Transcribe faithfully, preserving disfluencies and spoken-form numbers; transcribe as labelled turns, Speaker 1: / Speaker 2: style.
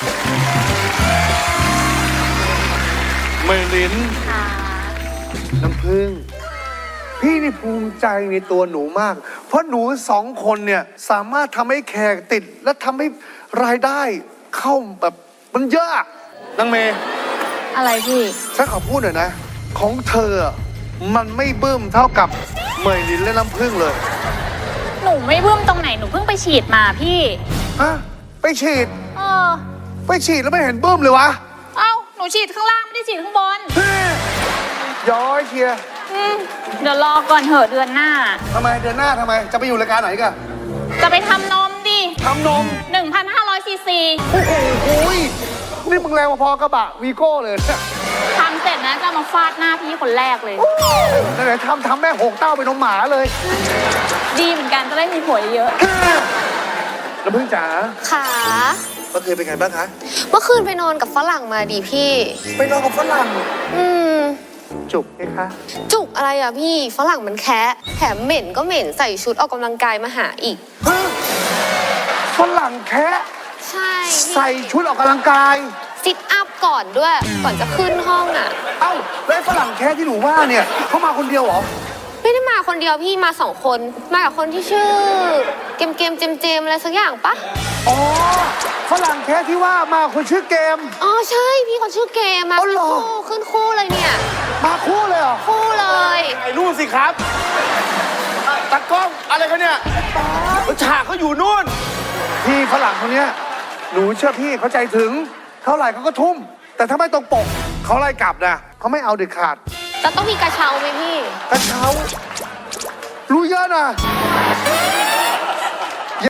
Speaker 1: เมลินน้ำพึ่งพี่นี่ภูมิใจในตัวหนูมาก เพราะหนูสองคนเนี่ยสามารถทำให้แขกติดและทำให้รายได้เข้าแบบมันเยอะนางเมย์
Speaker 2: อะไรพี่
Speaker 1: ฉันขอพูดหน่อยนะ ของเธอมันไม่บึ้มเท่ากับเมลินและน้ำพึ่งเลย
Speaker 2: หนูไม่บึ้มตรงไหนหนูเพิ่งไปฉีดมาพี่
Speaker 1: ฮะไปฉีด
Speaker 2: เออ
Speaker 1: ไปฉีดแล้วไม่เห็นบึ้มเลยวะ
Speaker 2: เอ้าหนูฉีดข้างล่างไม่ได้ฉีดข้างบน
Speaker 1: เฮ้ยย้อยเชียร์
Speaker 2: อืมเดี๋ยวรอก่อนเถอะเดือนหน้า
Speaker 1: ทำไมเดือนหน้าทำไมจะไปอยู่รายการไหนกัน
Speaker 2: จะไปทำนมดิ
Speaker 1: ทำนม
Speaker 2: หนึ่งพันห้าร้อยซีซี
Speaker 1: โอ้โหหุยนี่มึงแรงพอๆกระบะวีโก้เลยเนี่ย
Speaker 2: ทำเสร็จนะจะเอามาฟาดหน้าพี่คนแรกเลย
Speaker 1: ไหนๆทำทำแม่งหกเต้าเป็นนมหมาเลย
Speaker 2: ดีเหมือนกันจะได้มีผัวเยอะ
Speaker 1: น้ำพึ่งจ๋า
Speaker 3: ขา
Speaker 1: เมื่อคืนเป็นไงบ้างคะ
Speaker 3: เมื่อคืนไปนอนกับฝรั่งมาดิพี่
Speaker 1: ไปนอนกับฝรั่ง
Speaker 3: อืม
Speaker 1: จุกไหมคะ
Speaker 3: จุกอะไรอ่ะพี่ ฝรั่งมันแคะแถมเหม็นก็เหม็นใส่ชุดออกกำลังกายมาหาอีก
Speaker 1: ฮะฝรั่งแคะ
Speaker 3: ใช่พี่
Speaker 1: ใส่ชุดออกกำลังกาย
Speaker 3: ซิทอัพก่อนด้วย ก่อนจะขึ้นห้องอ่ะ
Speaker 1: เอ้าแล้วไอ้ฝรั่งแคะที่หนูว่าเนี่ยเขามาคนเดียวเหรอ
Speaker 3: ไม่ได้มาคนเดียวพี่มาสองคน มากับคนที่ชื่อ เกมเกมเจมเจมอะไรสักอย่างปะ
Speaker 1: อ๋อฝรั่งแคะที่ว่ามาคนชื่อเกม
Speaker 3: อ๋อใช่พี่คนชื่อเกมมา
Speaker 1: อ๋อเหรอ
Speaker 3: คู่ขึ้นคู่เลยเนี่ย
Speaker 1: มาคู่เลยเหรอ
Speaker 3: คู่เลย
Speaker 4: ถ่ายรูปสิครับตากล้องอะไรกันเนี่ยฉากเขาอยู่นู่น
Speaker 1: พี่ฝรั่งคนเนี้ยหนูเชื่อพี่เขาใจถึงเท่าไหร่เขาก็ทุ่ม แต่ถ้าไม่ตรงปกเขาไล่กลับนะเขาไม่เอาเด็ดขาด
Speaker 3: แล้วต้องมีกระเช้าไหมพี่
Speaker 1: กระเช้ารู้เยอะนะ